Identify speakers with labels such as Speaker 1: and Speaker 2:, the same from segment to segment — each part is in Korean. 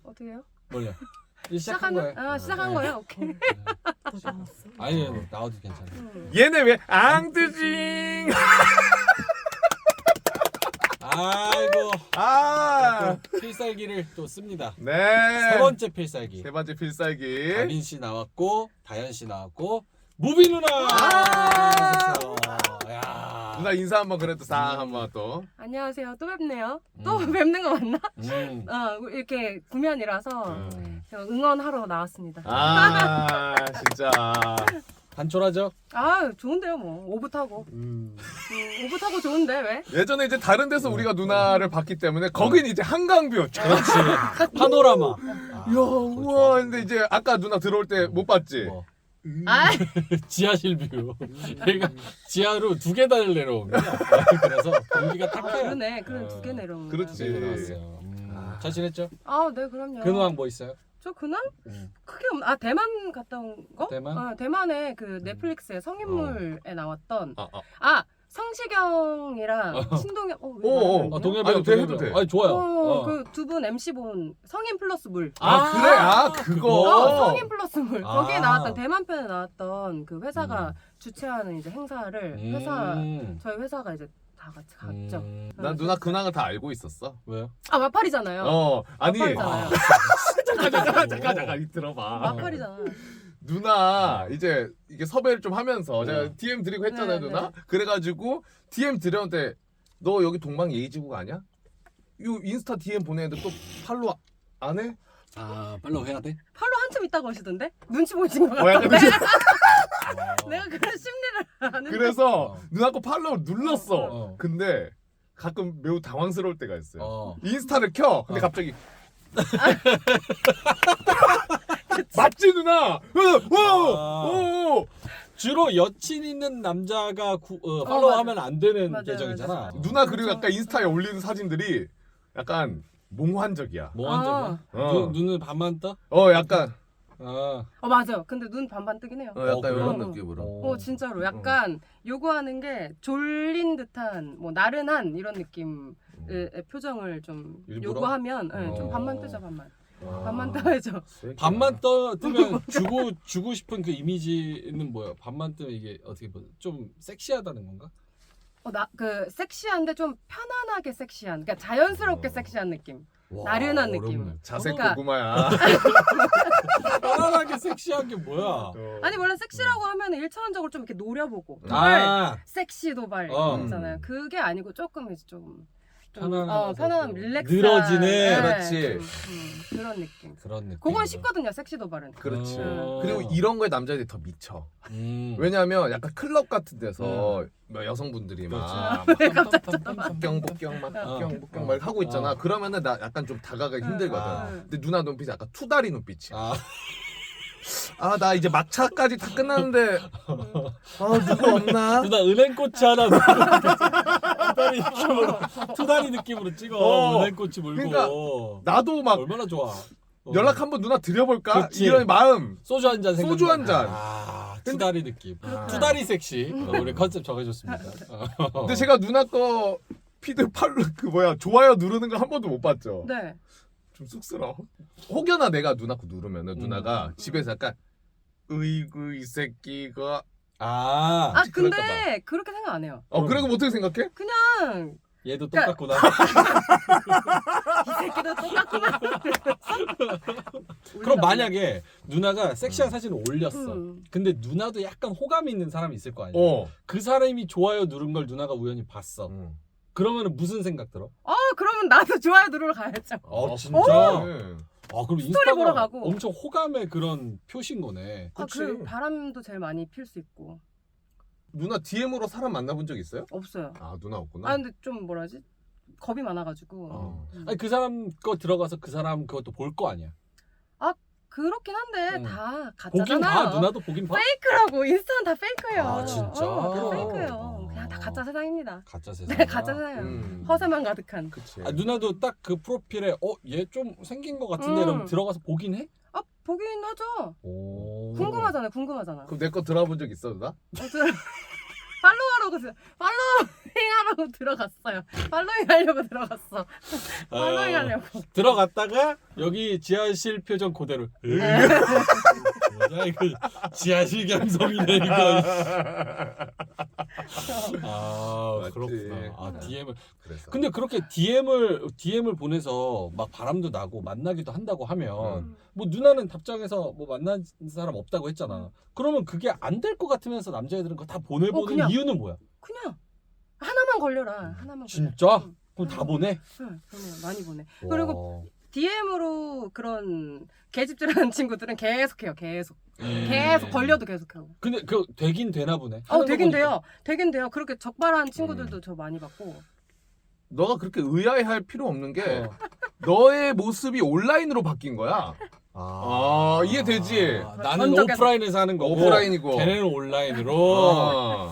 Speaker 1: 어떻게 해요?
Speaker 2: 몰라. 시작한 거예요.
Speaker 1: 시작한 거예요? 오케이.
Speaker 2: 아니 나와도 괜찮아.
Speaker 3: 얘네 왜 앙뜨징?
Speaker 2: 아이고. 또 필살기를 또 씁니다.
Speaker 3: 네.
Speaker 2: 세 번째 필살기.
Speaker 3: 세 번째 필살기.
Speaker 2: 다빈 씨 나왔고 다현 씨 나왔고 무비 누나. 야.
Speaker 3: 누나 인사 한번 그래도 싹 한번 또.
Speaker 1: 안녕하세요. 또 뵙네요. 또 뵙는 거 맞나?
Speaker 2: 음.
Speaker 1: 이렇게 구면이라서 제가 응원하러 나왔습니다.
Speaker 3: 진짜.
Speaker 2: 단촐하죠?
Speaker 1: 좋은데요 뭐. 오붓 타고. 오붓 타고 좋은데 왜?
Speaker 3: 예전에 이제 다른 데서 우리가 누나를 봤기 때문에 거긴 이제 한강뷰.
Speaker 2: 그렇지. 파노라마.
Speaker 3: 이야, 우와. 근데 이제 아까 누나 들어올 때 못 봤지?
Speaker 2: 뭐.
Speaker 1: 아,
Speaker 2: 지하실 뷰. 얘가 지하로 2계단을 내려온 거야. 그래서 공기가 탁해요.
Speaker 1: 그러네. 그래 2개 내려온 거.
Speaker 3: 그렇지.
Speaker 2: 네, 나왔어요. 잘 지냈죠?
Speaker 1: 네, 그럼요.
Speaker 2: 근황 뭐 있어요?
Speaker 1: 저 그날 크게 대만 갔다 온 거?
Speaker 2: 대만?
Speaker 1: 대만에 그 넷플릭스에 성인물에 나왔던
Speaker 3: 아.
Speaker 1: 성시경이랑 신동엽
Speaker 2: 동엽이
Speaker 3: 해도 돼.
Speaker 2: 아니 좋아요.
Speaker 1: 그 두 분 MC 본 성인 플러스 물.
Speaker 3: 그래? 그거.
Speaker 1: 성인 플러스 물. 거기에 나왔던 대만 편에 나왔던 그 회사가 주최하는 이제 행사를 저희 회사가 이제 다 같이 갔죠.
Speaker 3: 난 누나 근황을 다 알고 있었어.
Speaker 2: 왜요?
Speaker 1: 마팔이잖아요.
Speaker 3: 아니.
Speaker 1: 마팔이잖아요.
Speaker 3: 잠깐 들어봐.
Speaker 1: 마팔이잖아.
Speaker 3: 누나 이제 이게 섭외를 좀 하면서 제가 DM 드리고 했잖아요,
Speaker 1: 네,
Speaker 3: 누나.
Speaker 1: 네.
Speaker 3: 그래가지고 DM 드렸는데 너 여기 동방 예의지국 아니야? 이 인스타 DM 보내는데 또 팔로우 안 해?
Speaker 2: 팔로우 해야 돼?
Speaker 1: 팔로 한참 있다고 하시던데? 눈치 보신 것
Speaker 3: 약간
Speaker 1: 같던데?
Speaker 3: 눈치-
Speaker 1: 내가 그런 심리를 아는데.
Speaker 3: 그래서 누나 거 팔로우 눌렀어.
Speaker 2: 어.
Speaker 3: 근데 가끔 매우 당황스러울 때가 있어요.
Speaker 2: 어.
Speaker 3: 인스타를 켜. 근데 갑자기 맞지 누나?
Speaker 2: 주로 여친 있는 남자가 팔로우하면 안 되는
Speaker 1: 맞아요,
Speaker 2: 계정이잖아.
Speaker 1: 맞아요.
Speaker 3: 누나 그리고
Speaker 1: 그렇죠.
Speaker 3: 약간 인스타에 올리는 사진들이 약간 몽환적이야.
Speaker 2: 뭐 한점이야? 눈은 반만 떠?
Speaker 3: 약간
Speaker 1: 맞아요. 근데 눈 반반 뜨긴 해요.
Speaker 3: 약간
Speaker 2: 그래요?
Speaker 3: 이런 느낌으로.
Speaker 1: 진짜로 약간 요구하는 게 졸린 듯한 뭐 나른한 이런 느낌의 표정을 좀
Speaker 3: 일부러?
Speaker 1: 요구하면 좀 반만 뜨죠. 반만 떠야죠.
Speaker 2: 반만 뜨면 주고 싶은 그 이미지는 뭐야? 반만 뜨면 이게 어떻게 보면 좀 섹시하다는 건가?
Speaker 1: 그 섹시한데 좀 편안하게 섹시한, 그러니까 자연스럽게 섹시한 느낌. 나른한 느낌.
Speaker 3: 자색
Speaker 1: 그러니까-
Speaker 3: 고구마야.
Speaker 2: 편안하게 섹시한 게 뭐야?
Speaker 1: 아니 원래 섹시라고 하면 1차원적으로 좀 이렇게 노려보고 섹시 도발 있잖아요. 그게 아니고 조금 이제 좀 편안한 릴렉스
Speaker 2: 늘어지네.
Speaker 3: 그렇지.
Speaker 1: 그런 느낌.
Speaker 2: 그런 느낌.
Speaker 1: 그건 쉽거든요. 섹시 도발은.
Speaker 3: 그렇지.
Speaker 2: 어.
Speaker 3: 그리고 이런 거에 남자들이 더 미쳐. 왜냐면 약간 클럽 같은 데서 뭐 여성분들이 막 복경 막 하고 있잖아. 그러면은 나 약간 좀 다가가기 힘들거든. 근데 누나 눈빛이 약간 투다리 눈빛이야. 나 이제 막차까지 다 끝났는데 누구 없나?
Speaker 2: 누나 은행꽃이 하나 투다리 느낌으로 찍어. 은행꽃이 물고.
Speaker 3: 그러니까 나도 막
Speaker 2: 얼마나 좋아.
Speaker 3: 연락 한번 누나 드려볼까?
Speaker 2: 그치.
Speaker 3: 이런 마음.
Speaker 2: 소주 한 잔 생각.
Speaker 3: 소주 한 잔.
Speaker 2: 투다리 느낌. 투다리 섹시. 우리 컨셉 정해줬습니다.
Speaker 3: 근데 제가 누나 거 피드 좋아요 누르는 거 한 번도 못 봤죠.
Speaker 1: 네.
Speaker 3: 좀 쑥스러워. 혹여나 내가 누나 거 누르면은 누나가 집에서 약간 으이구 이 새끼가
Speaker 1: 근데
Speaker 3: 그럴까
Speaker 1: 그렇게 생각 안 해요.
Speaker 3: 그래도 어떻게 생각해?
Speaker 1: 그냥
Speaker 2: 얘도
Speaker 1: 그러니까-
Speaker 2: 똑같구나.
Speaker 1: 이 새끼도 똑같구나.
Speaker 2: 그럼 만약에 누나가 섹시한 사진을 올렸어.
Speaker 1: 음.
Speaker 2: 근데 누나도 약간 호감이 있는 사람이 있을 거 아니야. 그 사람이 좋아요 누른 걸 누나가 우연히 봤어. 그러면은 무슨 생각 들어?
Speaker 1: 그러면 나도 좋아요 누르러 가야죠.
Speaker 2: 진짜? 그럼 인스타가
Speaker 1: 보러 가고.
Speaker 2: 엄청 호감의 그런 표시인 거네.
Speaker 3: 그치.
Speaker 1: 그 바람도 제일 많이 필 수 있고.
Speaker 3: 누나 DM으로 사람 만나본 적 있어요?
Speaker 1: 없어요.
Speaker 3: 누나 없구나.
Speaker 1: 근데 좀 뭐라지? 겁이 많아가지고.
Speaker 2: 아니 그 사람 거 들어가서 그 사람 그것도 볼 거 아니야.
Speaker 1: 그렇긴 한데
Speaker 2: 보긴
Speaker 1: 다 가짜잖아요.
Speaker 2: 봐. 누나도 보긴 봐.
Speaker 1: 페이크라고. 인스타는 다 페이크예요.
Speaker 2: 진짜?
Speaker 1: 다 페이크예요. 그냥 다 가짜 세상입니다.
Speaker 2: 가짜 세상.
Speaker 1: 네, 가짜 세상이에요. 허세만 가득한.
Speaker 3: 그치.
Speaker 2: 누나도 딱 그 프로필에 얘 좀 생긴 거 같은데 이러면 들어가서 보긴 해?
Speaker 1: 보긴 하죠.
Speaker 2: 오.
Speaker 1: 궁금하잖아요.
Speaker 3: 그럼 내 거 들어본 적 있어 누나?
Speaker 1: 팔로우하라고 팔로우 팔로잉하라고 들어갔어요. 팔로잉 하려고 들어갔어. 팔로잉 하려고.
Speaker 2: 들어갔다가 여기 지하실 표정 그대로. 뭐야 이거 지하실 감성이네 이거. 아
Speaker 3: 맞지.
Speaker 2: 그렇구나. 아 DM을.
Speaker 3: 그래서.
Speaker 2: 근데 그렇게 DM을 보내서 막 바람도 나고 만나기도 한다고 하면 뭐 누나는 답장해서 뭐 만난 사람 없다고 했잖아. 그러면 그게 안 될 것 같으면서 남자애들은 그거 다 보내보는
Speaker 1: 그냥.
Speaker 2: 이유는 뭐야?
Speaker 1: 그냥 하나만 걸려라. 하나만.
Speaker 2: 진짜?
Speaker 1: 응.
Speaker 2: 그럼 다 보내?
Speaker 1: 응, 보내요. 많이 보내.
Speaker 2: 와.
Speaker 1: 그리고 DM으로 그런 개집질하는 친구들은 계속해요. 계속 걸려도 계속하고.
Speaker 2: 근데 그 되긴 되나 보네. 하는 거
Speaker 1: 되긴
Speaker 2: 보니까.
Speaker 1: 돼요. 되긴 돼요. 그렇게 적발한 친구들도 저 많이 봤고.
Speaker 3: 너가 그렇게 의아해할 필요 없는 게
Speaker 2: 어.
Speaker 3: 너의 모습이 온라인으로 바뀐 거야. 아, 이해되지?
Speaker 2: 나는
Speaker 1: 먼저
Speaker 2: 오프라인에서 하는 거고
Speaker 3: 오프라인이고.
Speaker 2: 걔네는 온라인으로.
Speaker 3: 어.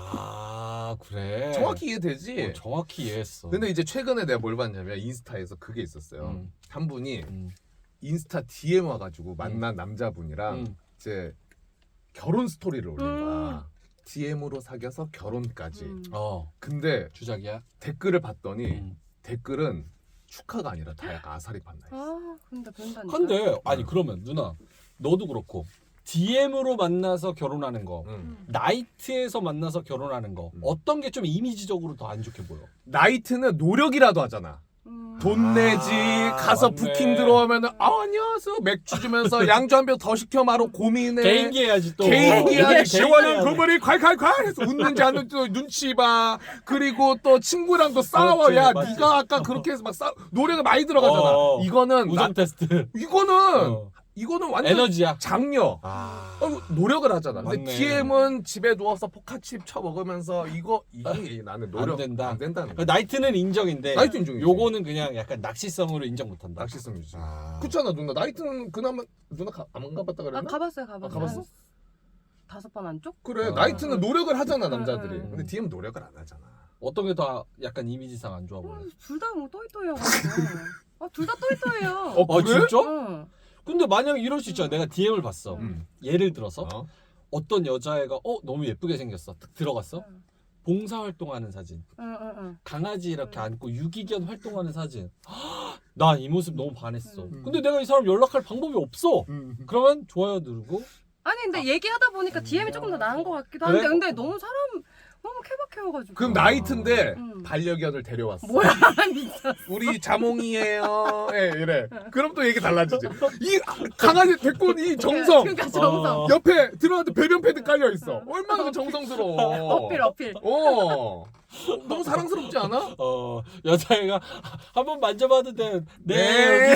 Speaker 2: 아 그래.
Speaker 3: 정확히 이해되지?
Speaker 2: 정확히 이해했어.
Speaker 3: 근데 이제 최근에 내가 뭘 봤냐면 인스타에서 그게 있었어요. 한 분이 인스타 DM 와가지고 만난 남자분이랑 이제 결혼 스토리를 올린 거야. DM으로 사귀어서 결혼까지. 근데
Speaker 2: 주작이야?
Speaker 3: 댓글을 봤더니 댓글은 축하가 아니라 다 약간 아사리 판다 했어.
Speaker 1: 근데 그런다니까.
Speaker 2: 근데 아니 그러면 누나 너도 그렇고 DM으로 만나서 결혼하는 거, 나이트에서 만나서 결혼하는 거 어떤 게 좀 이미지적으로 더 안 좋게 보여?
Speaker 3: 나이트는 노력이라도 하잖아. 돈 내지 가서
Speaker 2: 맞네.
Speaker 3: 부킹 들어오면은 안녕하세요 맥주 주면서 양주 한 병 더 시켜 마로 고민해.
Speaker 2: 개인기 해야지 또.
Speaker 3: 개인기 해야지.
Speaker 2: 개인기
Speaker 3: 시원한
Speaker 2: 해야 돼.
Speaker 3: 그머리 콸콸콸 해서 웃는지 안 웃는지 눈치 봐. 그리고 또 친구랑도 싸워.
Speaker 2: 그렇지,
Speaker 3: 야
Speaker 2: 맞지.
Speaker 3: 네가 아까 그렇게 해서 막 노래가 많이 들어가잖아. 이거는
Speaker 2: 우정 테스트.
Speaker 3: 이거는 완전
Speaker 2: 에너지야.
Speaker 3: 장려. 노력을 하잖아. 근데
Speaker 2: 맞네.
Speaker 3: DM은 집에 누워서 포카칩 쳐 먹으면서 이게 나는 노력
Speaker 2: 안 된다.
Speaker 3: 안 된다는
Speaker 2: 그
Speaker 3: 거야.
Speaker 2: 나이트는 인정인데
Speaker 3: 나이트 인정이지.
Speaker 2: 요거는 그냥 약간 낚시성으로 인정 못한다.
Speaker 3: 낚시성이지.
Speaker 2: 아.
Speaker 3: 그렇잖아 누나. 나이트는 그나마 누나 안 가봤다 그랬나?
Speaker 1: 가봤어요.
Speaker 3: 가봤어?
Speaker 1: 5번 안쪽?
Speaker 3: 그래 나이트는 노력을 하잖아 남자들이.
Speaker 1: 응.
Speaker 3: 근데 DM은 노력을 안 하잖아.
Speaker 2: 어떤 게 더 약간 이미지상 안 좋아 보여?
Speaker 1: 둘 다 뭐 또이또이여가지고. 둘 다 또이또이예요.
Speaker 2: 아
Speaker 3: 그래?
Speaker 2: 진짜? 근데 만약에 이럴 수 있잖아. 내가 DM을 봤어. 예를 들어서 어떤 여자애가 너무 예쁘게 생겼어. 딱 들어갔어. 봉사활동하는 사진. 강아지 이렇게 안고 유기견 활동하는 사진. 나 이 모습 너무 반했어. 근데 내가 이 사람 연락할 방법이 없어. 그러면 좋아요 누르고.
Speaker 1: 아니 근데 얘기하다 보니까 DM이 조금 더 나은 것 같기도 한데
Speaker 2: 그래?
Speaker 1: 근데 너무 케바케여가지고.
Speaker 3: 그럼 나이트인데 반려견을 데려왔어.
Speaker 1: 뭐야 진짜.
Speaker 3: 우리 자몽이에요. 예, 이래. 그럼 또 얘기 달라지지. 이 강아지 데리고 온 이 정성.
Speaker 1: 그러니까 정성.
Speaker 3: 옆에 들어왔는데 배변 패드 깔려 있어. 얼마나 그 정성스러워.
Speaker 1: 어필.
Speaker 3: 너무 사랑스럽지 않아?
Speaker 2: 여자애가 한번 만져봐도 돼.
Speaker 3: 네.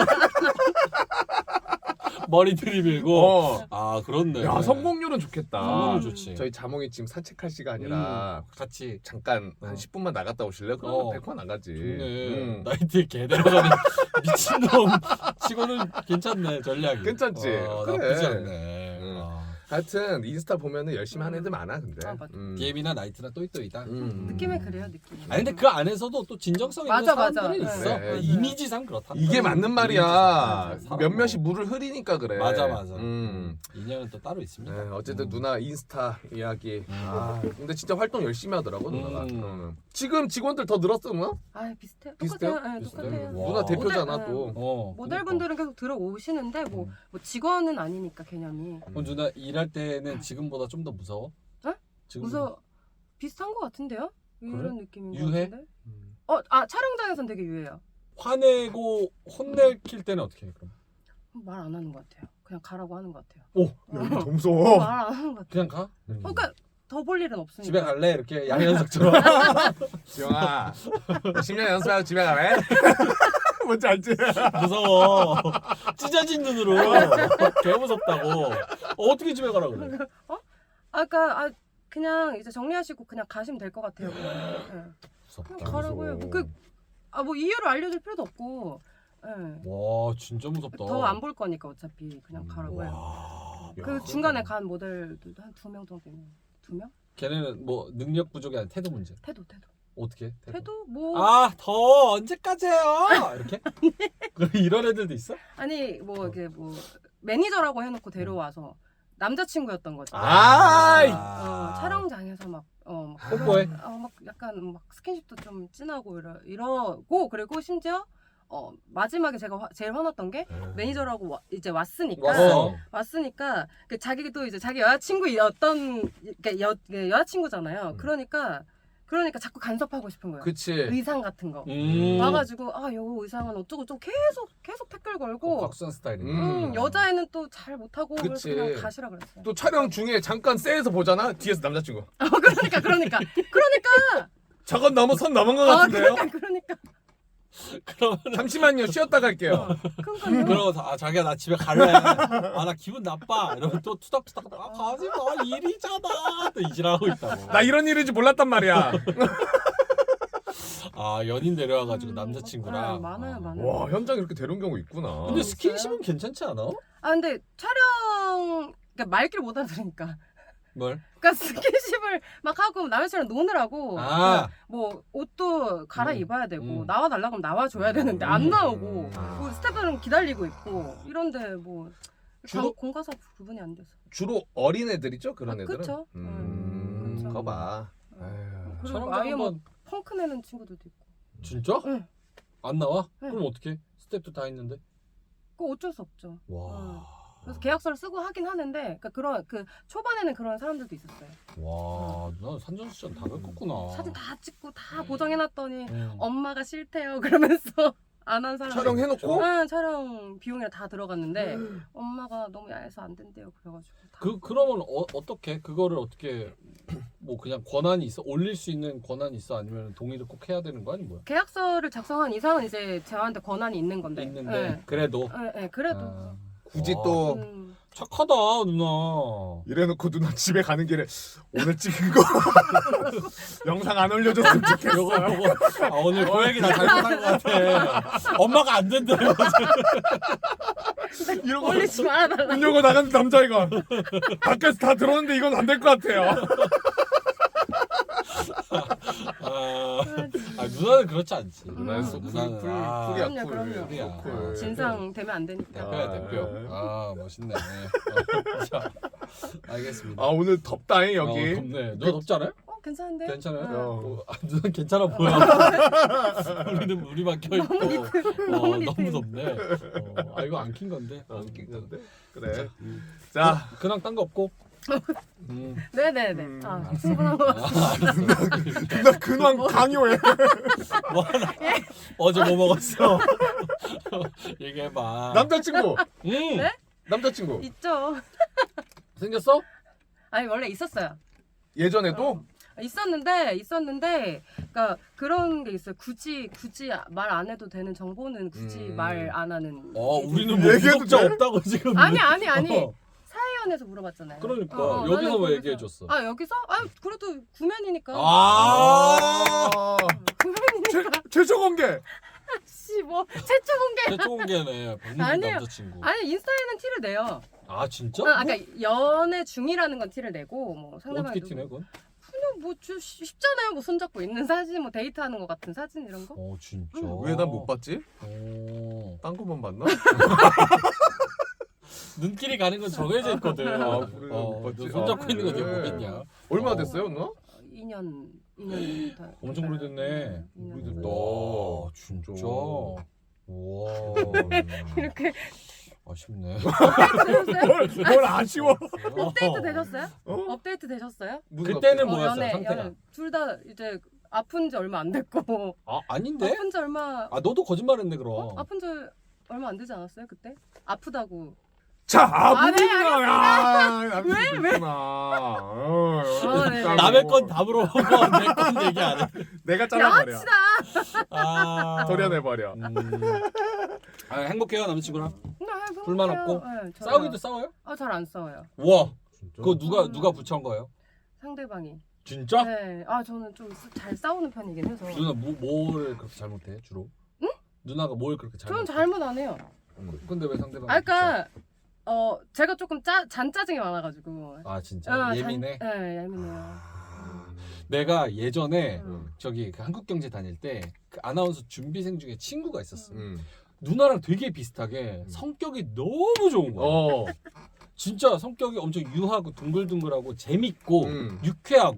Speaker 2: 머리 들이밀고. 그렇네.
Speaker 3: 야 성공률은 좋겠다.
Speaker 2: 성공률 좋지.
Speaker 3: 저희 자몽이 지금 산책할 시간이라
Speaker 2: 같이
Speaker 3: 잠깐 한 10분만 나갔다 오실래요? 그럼 100만 나가지.
Speaker 2: 좋네. 나이트에 개 데려가는 미친놈 치고는 괜찮네 전략이.
Speaker 3: 괜찮지? 그래.
Speaker 2: 나쁘지 않네.
Speaker 3: 하여튼 인스타 보면은 열심히 하는 애들 많아 근데.
Speaker 1: 맞아.
Speaker 2: DM이나 나이트나 또이또이다.
Speaker 1: 느낌에 그래요 느낌.
Speaker 2: 아니 근데 그 안에서도 또 진정성 있는
Speaker 1: 맞아.
Speaker 2: 사람들이
Speaker 1: 네.
Speaker 2: 있어.
Speaker 3: 그래.
Speaker 2: 이미지상 그렇다.
Speaker 3: 이게 맞는 말이야.
Speaker 2: 맞아.
Speaker 3: 몇몇이 물을 흐리니까 그래.
Speaker 2: 맞아. 인연은 또 따로 있습니다.
Speaker 3: 네, 어쨌든 누나 인스타 이야기. 근데 진짜 활동 열심히 하더라고 누나가. 지금 직원들 더 늘었어 누나?
Speaker 1: 비슷해요.
Speaker 3: 비슷해요?
Speaker 1: 똑같아요. 네, 똑같아요.
Speaker 2: 와.
Speaker 3: 누나 대표잖아
Speaker 1: 모델,
Speaker 3: 또.
Speaker 1: 모델분들은 계속 들어오시는데 뭐 직원은 아니니까 개념이.
Speaker 2: 그럼 누나 일할 때는 지금보다 좀 더 무서워?
Speaker 1: 어?
Speaker 2: 지금보다?
Speaker 1: 무서 비슷한 것 같은데요? 이런 느낌인 것
Speaker 2: 유해?
Speaker 1: 같은데. 촬영장에선 되게 유해요.
Speaker 2: 화내고 혼내킬 때는 어떻게 해 그럼?
Speaker 1: 말 안 하는 것 같아요. 그냥 가라고 하는 것 같아요.
Speaker 3: 오, 야, 이거 더 무서워.
Speaker 1: 말 안 하는 것 같아요.
Speaker 2: 그냥 가?
Speaker 1: 그러니까 더 볼 일은 없으니까.
Speaker 2: 집에 갈래? 이렇게 양현석처럼.
Speaker 3: 지영아, 10년 연습하고 집에 가래? 뭔지 알지?
Speaker 2: 무서워. 찢어진 눈으로. 개 무섭다고. 어떻게 집에 가라 그래?
Speaker 1: 그러니까 그냥 이제 정리하시고 그냥 가시면 될 것 같아요. 그냥
Speaker 2: 무섭다.
Speaker 1: 가라고요. 뭐 이유를 알려줄 필요도 없고.
Speaker 2: 와 진짜 무섭다.
Speaker 1: 더 안 볼 거니까 어차피 그냥 가라고요. 그 중간에 간 모델들도 한 2명 정도 있는. 2명?
Speaker 2: 걔네는 뭐 능력 부족이 아니라 태도 문제.
Speaker 1: 태도.
Speaker 2: 어떻게 해?
Speaker 1: 태도 뭐
Speaker 2: 더 언제까지 해요? 이렇게? 그럼 이런 애들도 있어?
Speaker 1: 아니 뭐 이게 뭐 매니저라고 해놓고 데려와서 남자친구였던 거죠.
Speaker 3: 아이.
Speaker 1: 촬영장에서 막
Speaker 2: 뽀뽀해?
Speaker 1: 막 약간 막 스킨십도 좀 진하고 이러고 그리고 심지어 마지막에 제가 제일 화났던 게 매니저라고 이제 왔으니까 그 자기도 이제 자기 여자친구였던 여자친구잖아요. 그러니까 자꾸 간섭하고 싶은 거예요.
Speaker 3: 그치.
Speaker 1: 의상 같은 거 와가지고 요 의상은 어쩌고 좀 계속 태클 걸고
Speaker 2: 곽수산 스타일이네.
Speaker 1: 여자애는 또 잘 못하고 그래서
Speaker 3: 그치.
Speaker 1: 그냥 가시라 그랬어요.
Speaker 3: 또 촬영 중에 잠깐 셀에서 보잖아. 뒤에서 남자친구.
Speaker 1: 그러니까
Speaker 3: 저건 너무 선 넘은 것 같은데요?
Speaker 1: 그러니까
Speaker 2: 그러면
Speaker 3: 잠시만요. 쉬었다 갈게요.
Speaker 2: 그러고 자기야 나 집에 갈래. 나 기분 나빠. 이러면 또 투닥투닥 가지 마. 일이잖아. 또 이질하고 있다고.
Speaker 3: 나 이런 일인지 몰랐단 말이야.
Speaker 2: 연인 데려와가지고 남자친구랑.
Speaker 1: 많아요.
Speaker 3: 와, 현장에 이렇게 데려온 경우 있구나.
Speaker 2: 근데 스킨십은 괜찮지 않아?
Speaker 1: 근데 촬영 그러니까 말귀를 못 알아들으니까.
Speaker 2: 뭘?
Speaker 1: 그러니까 스킨십을 막 하고 남자친구랑 노느라고 뭐 옷도 갈아입어야 되고 나와달라고 하면 나와줘야 되는데 안 나오고 뭐 스태프들은 기다리고 있고 이런데 뭐 공과사 구분이 안 돼서.
Speaker 3: 주로 어린애들이죠? 그런 애들은?
Speaker 1: 그쵸. 그쵸.
Speaker 3: 그거 봐.
Speaker 1: 그리고 아예 뭐 펑크 내는 친구들도 있고.
Speaker 2: 진짜?
Speaker 1: 응.
Speaker 2: 안 나와?
Speaker 1: 응.
Speaker 2: 그럼 어떡해? 스텝도 다 있는데?
Speaker 1: 그거 어쩔 수 없죠.
Speaker 2: 와.
Speaker 1: 그래서 계약서를 쓰고 하긴 하는데 그러니까 초반에는 그런 사람들도 있었어요.
Speaker 2: 와, 누나 산전수전 다 겪었구나.
Speaker 1: 사진 다 찍고 다 보정해놨더니 엄마가 싫대요 그러면서 안 한 사람.
Speaker 3: 촬영해놓고?
Speaker 1: 응, 촬영 비용이랑 다 들어갔는데 엄마가 너무 야해서 안 된대요 그래가지고.
Speaker 2: 그러면 어떻게 그거를 어떻게 뭐 그냥 권한이 있어? 올릴 수 있는 권한이 있어? 아니면 동의를 꼭 해야 되는 거 아니 뭐야?
Speaker 1: 계약서를 작성한 이상은 이제 저한테 권한이 있는 건데.
Speaker 2: 있는데 그래도
Speaker 1: 그래도.
Speaker 3: 굳이 또
Speaker 2: 착하다 누나.
Speaker 3: 이래놓고 누나 집에 가는 길에 오늘 찍은 거 영상 안 올려줬으면 좋겠어.
Speaker 2: 요거 오늘 고양이 나 잘못한 것 같아. 엄마가 안 된대.
Speaker 3: 이러고
Speaker 1: 올리지 말아달라.
Speaker 3: 문 열고 나간 남자애가 밖에서 다 들어오는데 이건 안 될 것 같아요.
Speaker 2: 누나는 그렇지 않지.
Speaker 3: 누나는 쿨이야.
Speaker 1: 그럼요. 진상 되면 안 되니까.
Speaker 2: 대표. 멋있네. 자, 알겠습니다.
Speaker 3: 오늘 덥다잉 여기.
Speaker 2: 덥네. 너 덥지 않아요?
Speaker 1: 괜찮은데?
Speaker 2: 괜찮아요? 누나 괜찮아 보여. 우리는 물이 막혀 있고 너무 덥네. 이거 안 킨 건데.
Speaker 3: 안 킨 건데. 그래. 자,
Speaker 2: 그냥 딴 거 없고.
Speaker 1: 네네네. 수분한 거.
Speaker 3: 누나 근황 강요해.
Speaker 2: 뭐 하나? 어제 뭐 먹었어? 얘기해봐.
Speaker 3: 남자친구.
Speaker 1: 네?
Speaker 3: 남자친구.
Speaker 1: 있죠.
Speaker 2: 생겼어?
Speaker 1: 아니 원래 있었어요.
Speaker 3: 예전에도?
Speaker 1: 있었는데 그러니까 그런 게 있어요. 굳이 말 안 해도 되는 정보는 굳이 말 안 하는.
Speaker 2: 우리는 뭐 구독자 없다고 지금.
Speaker 1: 아니. 사회연에서 물어봤잖아요.
Speaker 2: 그러니까 여기서 왜 얘기해줬어?
Speaker 1: 여기서? 그래도 구면이니까.
Speaker 3: 구면이니까. 최초 공개.
Speaker 1: 뭐 최초 공개.
Speaker 2: 최초 공개네. 박민준 남자친구.
Speaker 1: 아니 인스타에는 티를 내요.
Speaker 2: 진짜?
Speaker 1: 그러니까 연애 중이라는 건 티를 내고 뭐 상대방이
Speaker 2: 어떻게 티내 그건?
Speaker 1: 그냥 뭐 쉽잖아요. 뭐 손잡고 있는 사진, 뭐 데이트하는 것 같은 사진 이런 거.
Speaker 2: 진짜.
Speaker 3: 왜 난 못 봤지? 딴 것만 봤나?
Speaker 2: 눈길이 가는 건 정해져 있거든.
Speaker 3: 그래,
Speaker 2: 너
Speaker 3: 못 봤지.
Speaker 2: 손잡고 있는 거 내가 보겠냐?
Speaker 3: 얼마나 됐어요, 누나?
Speaker 1: 2년 다.
Speaker 2: 엄청 오래됐네.
Speaker 3: 오래됐다.
Speaker 2: 진짜. 와.
Speaker 1: 이렇게
Speaker 2: 아쉽네.
Speaker 3: 뭘 아쉬워?
Speaker 1: 업데이트 되셨어요? 업데이트 되셨어요?
Speaker 2: 그때는 뭐였어요? 상태가?
Speaker 1: 둘 다 이제 아픈 지 얼마 안 됐고.
Speaker 2: 아닌데?
Speaker 1: 아픈 지 얼마.
Speaker 2: 너도 거짓말했네 그럼.
Speaker 1: 아픈 지 얼마 안 되지 않았어요 그때? 아프다고.
Speaker 3: 자,
Speaker 1: 왜?
Speaker 2: 남의 건 다 물어보고 내 건 얘기 안 해.
Speaker 3: 내가 잘라버려.
Speaker 1: 양아치다.
Speaker 3: 도려내버려.
Speaker 2: 행복해요 남자친구랑?
Speaker 1: 네,
Speaker 2: 불만 없고?
Speaker 1: 네,
Speaker 2: 싸우기도 싸워요?
Speaker 1: 잘 안 싸워요.
Speaker 2: 와, 그거 누가 부처한 거예요?
Speaker 1: 상대방이.
Speaker 2: 진짜?
Speaker 1: 네. 저는 좀 잘 싸우는 편이긴 해서.
Speaker 2: 누나 뭘 그렇게 잘못해 주로? 응? 누나가 뭘 그렇게 잘못해?
Speaker 1: 저는 잘못 안 해요.
Speaker 2: 근데 왜 상대방이?
Speaker 1: 그러니까 제가 조금 잔짜증이 많아가지고.
Speaker 2: 진짜? 예민해?
Speaker 1: 네, 예민해요.
Speaker 2: 내가 예전에 저기 그 한국경제 다닐 때 그 아나운서 준비생 중에 친구가 있었어. 누나랑 되게 비슷하게 성격이 너무 좋은 거야. 진짜 성격이 엄청 유하고 둥글둥글하고 재밌고 유쾌하고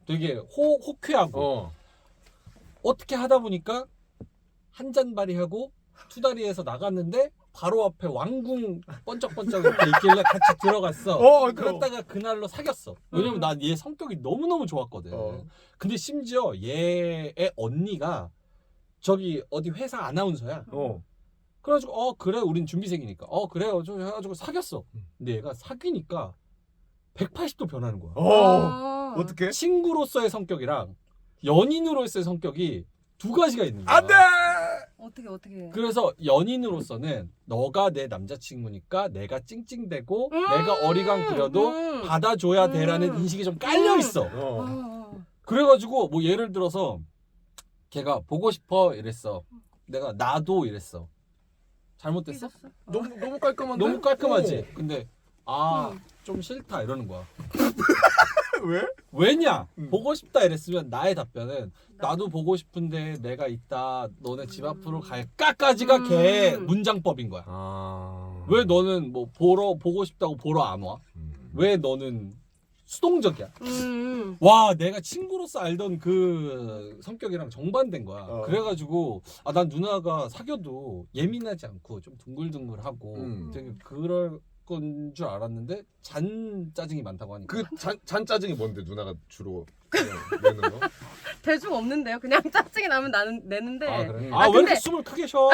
Speaker 2: 되게 호쾌하고 어떻게 하다 보니까 한 잔바리하고 투다리에서 나갔는데 바로 앞에 왕궁 번쩍번쩍 이렇게 있길래 같이 들어갔어. 그랬다가 그날로 사귀었어. 왜냐면 난 얘 성격이 너무너무 좋았거든. 근데 심지어 얘의 언니가 저기 어디 회사 아나운서야. 그래가지고 그래 우린 준비생이니까 그래요 저 해가지고 사귀었어. 근데 얘가 사귀니까 180도 변하는 거야.
Speaker 3: 어떻게?
Speaker 2: 친구로서의 성격이랑 연인으로서의 성격이 두 가지가 있는 거야.
Speaker 3: 안돼.
Speaker 1: 어떻게?
Speaker 2: 그래서 연인으로서는 너가 내 남자친구니까 내가 찡찡대고 내가 어리광 부려도 받아줘야 돼라는 인식이 좀 깔려 있어. 그래가지고 뭐 예를 들어서 걔가 보고 싶어 이랬어. 내가 나도 이랬어. 잘못됐어?
Speaker 3: 너무 깔끔한데?
Speaker 2: 너무 깔끔하지. 근데 좀 싫다 이러는 거야.
Speaker 3: 왜?
Speaker 2: 왜냐? 보고 싶다 이랬으면 나의 답변은 나도 보고 싶은데 내가 있다. 너네 집 앞으로 갈까까지가 걔 문장법인 거야. 왜 너는 뭐 보고 싶다고 보러 안 와? 왜 너는 수동적이야? 와, 내가 친구로서 알던 그 성격이랑 정반대인 거야. 그래가지고 난 누나가 사귀어도 예민하지 않고 좀 둥글둥글하고 되게 그럴 건 줄 알았는데 잔 짜증이 많다고 하니까.
Speaker 3: 그 잔 짜증이 뭔데 누나가 주로 내는 거?
Speaker 1: 대중 없는데요. 그냥 짜증이 나면 내는데.
Speaker 2: 그래?
Speaker 1: 네.
Speaker 2: 왜 이렇게 숨을 크게 쉬어?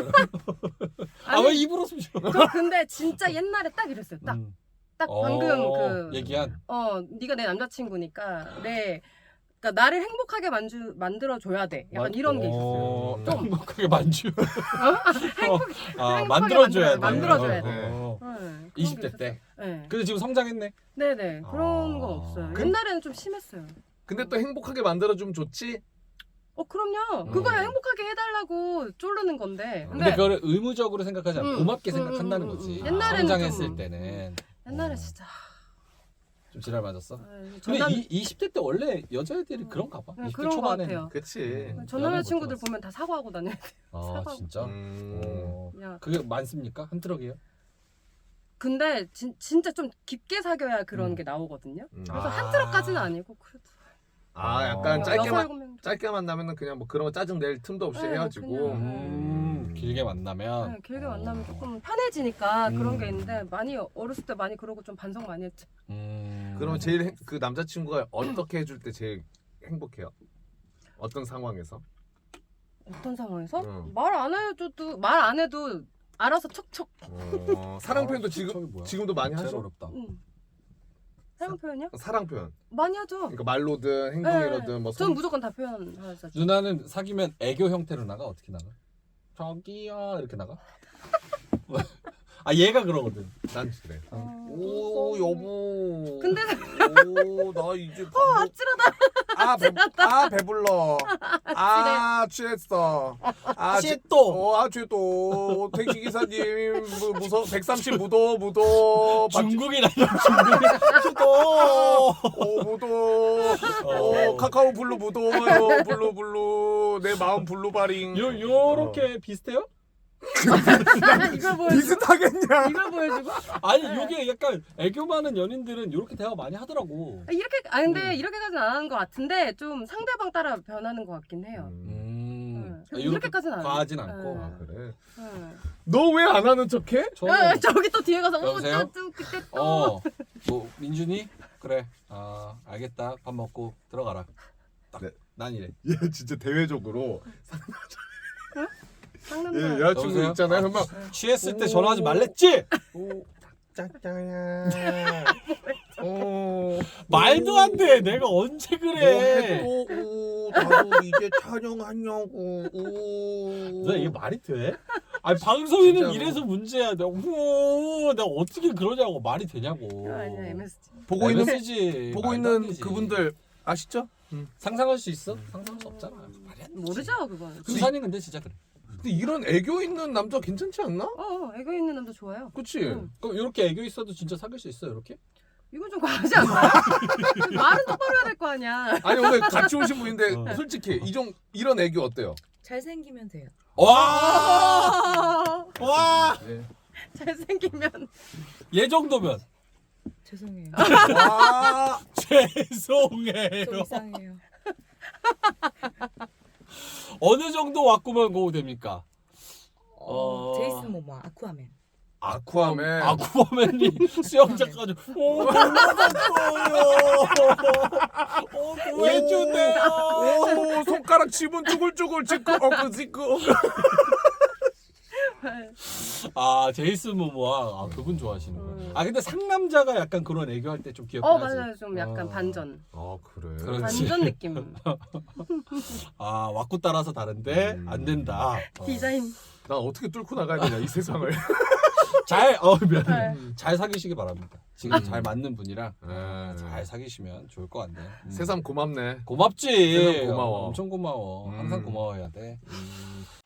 Speaker 2: 왜 입으로 숨 쉬어?
Speaker 1: 저 근데 진짜 옛날에 딱 이랬어요. 딱 방금 그
Speaker 2: 얘기한.
Speaker 1: 네가 내 남자친구니까 그러니까 나를 행복하게 만들어줘야 돼. 약간 이런 게 있었어요. 좀
Speaker 2: 행복하게 만주.
Speaker 1: 행복하게
Speaker 2: 만들어줘야 돼.
Speaker 1: 만들어줘야 돼.
Speaker 2: 20대 때.
Speaker 1: 네.
Speaker 2: 근데 지금 성장했네.
Speaker 1: 네네. 그런 건 없어요. 옛날에는 좀 심했어요.
Speaker 3: 근데 또 행복하게 만들어주면 좋지?
Speaker 1: 그럼요. 그거야 행복하게 해달라고 쪼르는 건데.
Speaker 2: 근데 그거를 의무적으로 생각하지 않고 고맙게 생각한다는 거지.
Speaker 1: 옛날에는
Speaker 2: 성장했을
Speaker 1: 좀,
Speaker 2: 때는.
Speaker 1: 옛날에 진짜.
Speaker 2: 좀 지랄 맞았어?
Speaker 1: 전
Speaker 2: 근데 20대 때 원래 여자애들이 그런가 봐. 20대
Speaker 1: 그런 거
Speaker 2: 초반에는.
Speaker 1: 같아요.
Speaker 3: 그치.
Speaker 1: 전 남자친구들 보면 다 사과하고 다녀야 돼.
Speaker 2: 진짜?
Speaker 1: 야.
Speaker 2: 그게 많습니까? 한 트럭이에요?
Speaker 1: 근데 진짜 좀 깊게 사귀어야 그런 게 나오거든요. 그래서 한 트럭까지는 아니고 그래도.
Speaker 3: 약간
Speaker 1: 여섯, 일곱 명
Speaker 3: 짧게 만나면은 그냥 뭐 그런 거 짜증 낼 틈도 없이 헤어지고.
Speaker 2: 길게 만나면.
Speaker 1: 네, 길게 만나면 조금 편해지니까 그런 게 있는데 많이 어렸을 때 많이 그러고 좀 반성 많이 했죠.
Speaker 3: 그러면 제일 그 남자친구가 어떻게 해줄 때 제일 행복해요? 어떤 상황에서?
Speaker 1: 어떤 상황에서? 말 안 해도 알아서 척척.
Speaker 3: 사랑 표현도 지금도 많이 하죠?
Speaker 2: 어렵다.
Speaker 1: 사랑 표현이요?
Speaker 3: 사랑 표현.
Speaker 1: 많이 하죠.
Speaker 3: 그러니까 말로든 행동이로든 뭐.
Speaker 1: 저는 무조건 다 표현하죠.
Speaker 2: 누나는 사귀면 애교 형태로 나가? 어떻게 나가? 저기요 이렇게 나가? 얘가 그러거든.
Speaker 3: 난 그래. 오 여보.
Speaker 1: 근데
Speaker 3: 나 이제
Speaker 1: 아찔하다.
Speaker 3: 배불러. 취했어. 취했또. 택시 기사님 무서 130 무도.
Speaker 2: 중국이라 중국.
Speaker 3: 무도. 카카오 블루 무도. 블루 내 마음 블루바링.
Speaker 2: 요렇게 비슷해요?
Speaker 1: 이걸 보여주고?
Speaker 3: 비슷하겠냐?
Speaker 1: 이걸 보여주고?
Speaker 2: 아니 요게 약간 애교 많은 연인들은 요렇게 대화 많이 하더라고.
Speaker 1: 근데 이렇게까지는 안 하는 것 같은데 좀 상대방 따라 변하는 것 같긴 해요. 이렇게까지는 안 해요.
Speaker 2: 과하진 않고.
Speaker 3: 그래. 너 왜 안 하는 척해?
Speaker 1: 저기 또 뒤에 가서
Speaker 2: 여보세요?
Speaker 1: 그때 또
Speaker 2: 뭐 민준이? 그래. 알겠다. 밥 먹고 들어가라.
Speaker 3: 네.
Speaker 2: 난 이래.
Speaker 3: 얘 진짜 대외적으로
Speaker 1: 상남자.
Speaker 3: 여자친구
Speaker 2: 여보세요?
Speaker 3: 있잖아요. 막
Speaker 2: 취했을 때 전화하지 말랬지?
Speaker 3: 짱짱이야.
Speaker 2: 말도 안 돼. 내가 언제 그래?
Speaker 3: 나도 이제 촬영하냐고.
Speaker 2: 너 이게 말이 돼? 방송인은
Speaker 3: 진짜로.
Speaker 2: 이래서 문제야. 내가 어떻게 그러냐고. 말이 되냐고.
Speaker 1: 아니야 MSG.
Speaker 3: 보고 있는
Speaker 2: 말도 안 되지.
Speaker 3: 그분들 아시죠?
Speaker 2: 상상할 수 있어? 상상할 수 없잖아. 말이 안 되지.
Speaker 1: 모르죠 그건.
Speaker 2: 수산이 근데 진짜 그래.
Speaker 3: 근데 이런 애교 있는 남자 괜찮지 않나?
Speaker 1: 애교 있는 남자 좋아요.
Speaker 3: 그치?
Speaker 2: 그럼 이렇게 애교 있어도 진짜 사귈 수 있어 이렇게?
Speaker 1: 이건 좀 과하지 않나요? 말은 똑바로 해야 될 거 아니야.
Speaker 3: 아니 오늘 같이 오신 분인데 솔직히 이런 애교 어때요?
Speaker 4: 잘생기면 돼요.
Speaker 2: 와!
Speaker 3: 네.
Speaker 1: 잘생기면
Speaker 2: 얘 정도면
Speaker 4: 죄송해요.
Speaker 3: 와.
Speaker 2: 죄송해요.
Speaker 4: 좀 이상해요.
Speaker 2: 어느 정도 왁구만 고우 됩니까?
Speaker 4: 제이슨 모모아 아쿠아맨.
Speaker 3: 아쿠아맨.
Speaker 2: 아쿠아맨이 수영장까지 오 구해주세요.
Speaker 3: 오 손가락 지문 쭈글쭈글 지끄 지끄.
Speaker 2: 아 제이슨 모모아 그분 좋아하시는구나. 아 근데 상남자가 약간 그런 애교할 때 좀 귀엽긴 하지.
Speaker 1: 맞아요. 좀 약간 반전.
Speaker 3: 아 그래.
Speaker 2: 그렇지.
Speaker 1: 반전 느낌.
Speaker 2: 아 왁구 따라서 다른데 안 된다.
Speaker 1: 디자인.
Speaker 3: 나 어떻게 뚫고 나가야 되냐 이 세상을.
Speaker 2: 미안해. 잘 사귀시기 바랍니다. 지금 잘 맞는 분이랑 잘 사귀시면 좋을 것 같네.
Speaker 3: 세상 고맙네.
Speaker 2: 고맙지.
Speaker 3: 세상 고마워.
Speaker 2: 엄청 고마워. 항상 고마워해야 돼.